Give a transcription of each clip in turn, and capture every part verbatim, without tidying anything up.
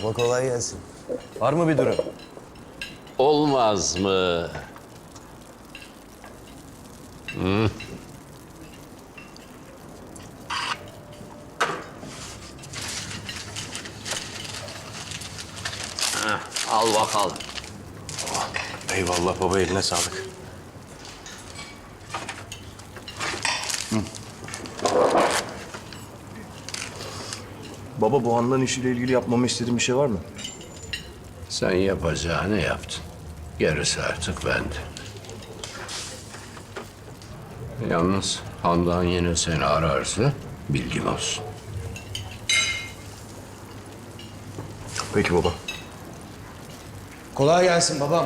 Baba kolay gelsin. Var mı bir durum? Olmaz mı? Hı? Heh, al bakalım. Eyvallah baba, eline sağlık. Baba, bu Handan işiyle ilgili yapmamı istediğin bir şey var mı? Sen yapacağını yaptın. Gerisi artık bende. Yalnız Handan yine seni ararsa bilgin olsun. Peki baba. Kolay gelsin babam.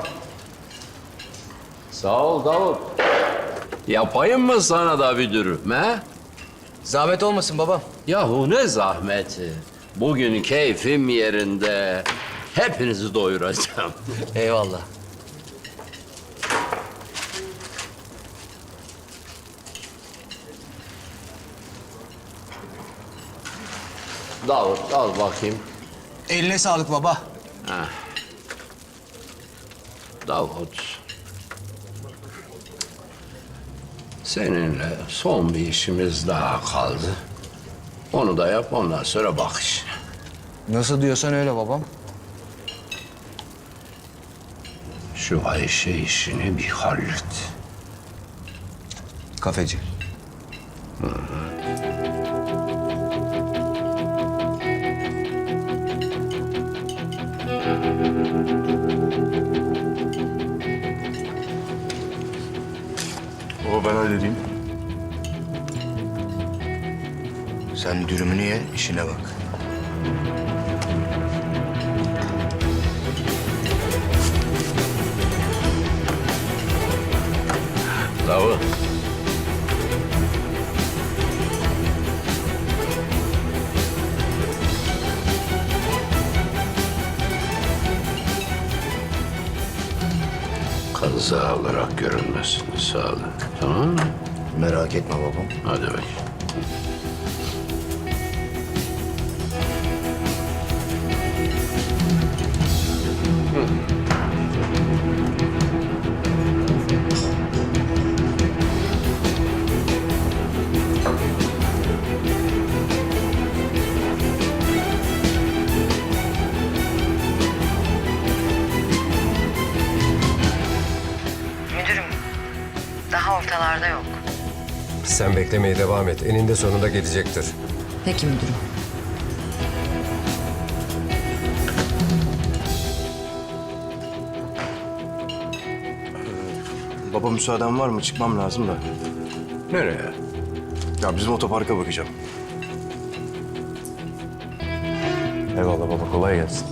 Sağ ol Davut. Yapayım mı sana da bir dürüm he? Zahmet olmasın babam. Yahu ne zahmeti. Bugün keyfim yerinde. Hepinizi doyuracağım. Eyvallah. Davut al bakayım. Eline sağlık baba. Davut. Seninle son bir işimiz daha kaldı. Onu da yap, ondan sonra bak işine. Nasıl diyorsan öyle babam. Şu Ayşe işini bir hallet. Kafeci. Baba ben halledeyim. Sen dürümünü ye, işine bak. Davut. Kaza olarak görünmesin. Sağlık. Tamam mı? Merak etme babam. Hadi bakayım. Müdürüm, daha ortalarda yok. Sen beklemeye devam et. Eninde sonunda gelecektir. Peki müdürüm. Baba müsaaden var mı? Çıkmam lazım da. Nereye? Ya bizim otoparka bakacağım. Eyvallah baba, kolay gelsin.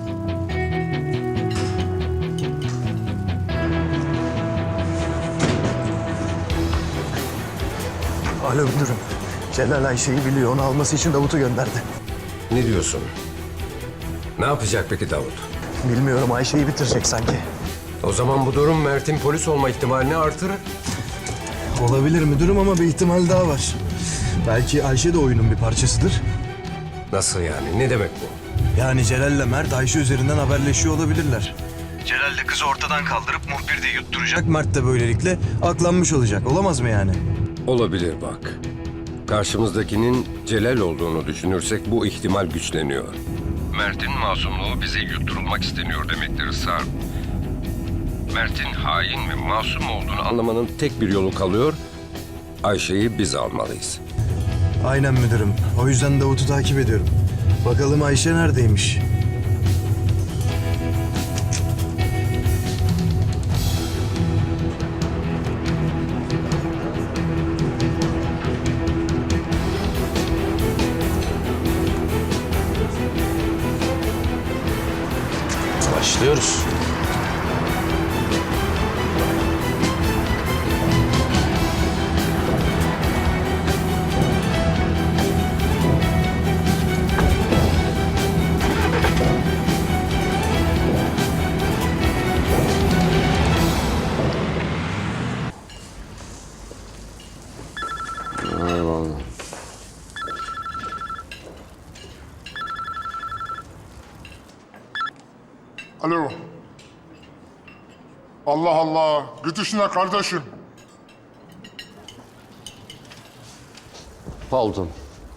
Alo müdürüm. Celal Ayşe'yi biliyor. Onu alması için Davut'u gönderdi. Ne diyorsun? Ne yapacak peki Davut? Bilmiyorum, Ayşe'yi bitirecek sanki. O zaman bu durum Mert'in polis olma ihtimalini artırır. Olabilir müdürüm ama bir ihtimal daha var. Belki Ayşe de oyunun bir parçasıdır. Nasıl yani? Ne demek bu? Yani Celal'le Mert Ayşe üzerinden haberleşiyor olabilirler. Celal de kızı ortadan kaldırıp muhbir de yutturacak. Mert de böylelikle aklanmış olacak. Olamaz mı yani? Olabilir bak. Karşımızdakinin Celal olduğunu düşünürsek bu ihtimal güçleniyor. Mert'in masumluğu bize yutturulmak isteniyor demektir Sarp. Mert'in hain ve masum olduğunu anlamanın tek bir yolu kalıyor. Ayşe'yi biz almalıyız. Aynen müdürüm. O yüzden Davut'u takip ediyorum. Bakalım Ayşe neredeymiş? Başlıyoruz. Alo. Allah Allah. Git işine kardeşim. Pardon.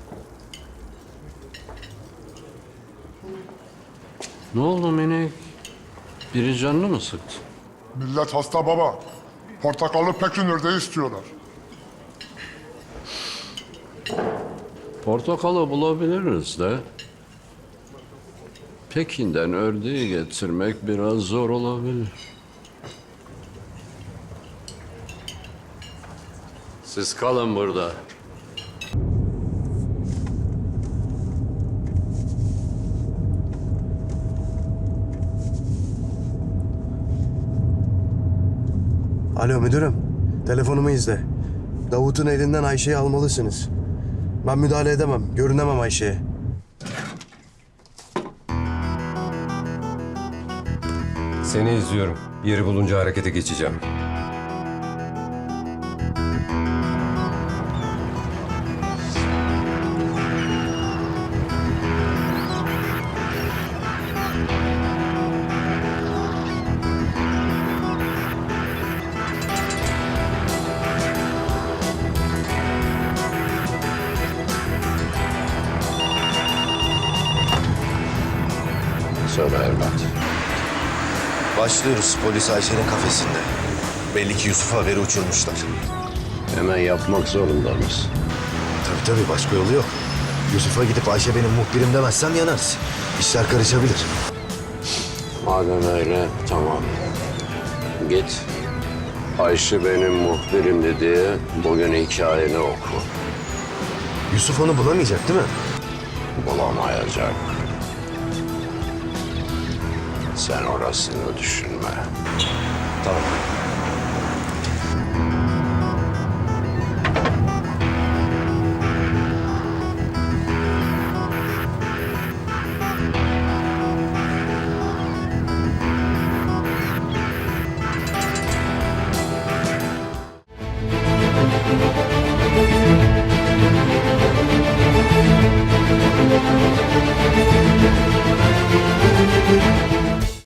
Ne oldu Minik? Biri canını mı sıktı? Millet hasta baba. Portakallı Pekinler'de istiyorlar. Portakalı bulabiliriz de. Pekin'den ördeği getirmek biraz zor olabilir. Siz kalın burada. Alo müdürüm. Telefonumu izle. Davut'un elinden Ayşe'yi almalısınız. Ben müdahale edemem. Görünemem Ayşe'ye. Seni izliyorum. Yeri bulunca harekete geçeceğim. Söyle evlat. Başlıyoruz. Polis Ayşe'nin kafesinde. Belli ki Yusuf'a haberi uçurmuşlar. Hemen yapmak zorunda mısın? Tabii tabii başka yolu yok. Yusuf'a gidip Ayşe benim muhbirim demezsem yanarız. İşler karışabilir. Madem öyle tamam. Git. Ayşe benim muhbirimdi diye bugün hikayeni oku. Yusuf onu bulamayacak değil mi? Bulamayacak. Sen orasını düşünme. Tamam.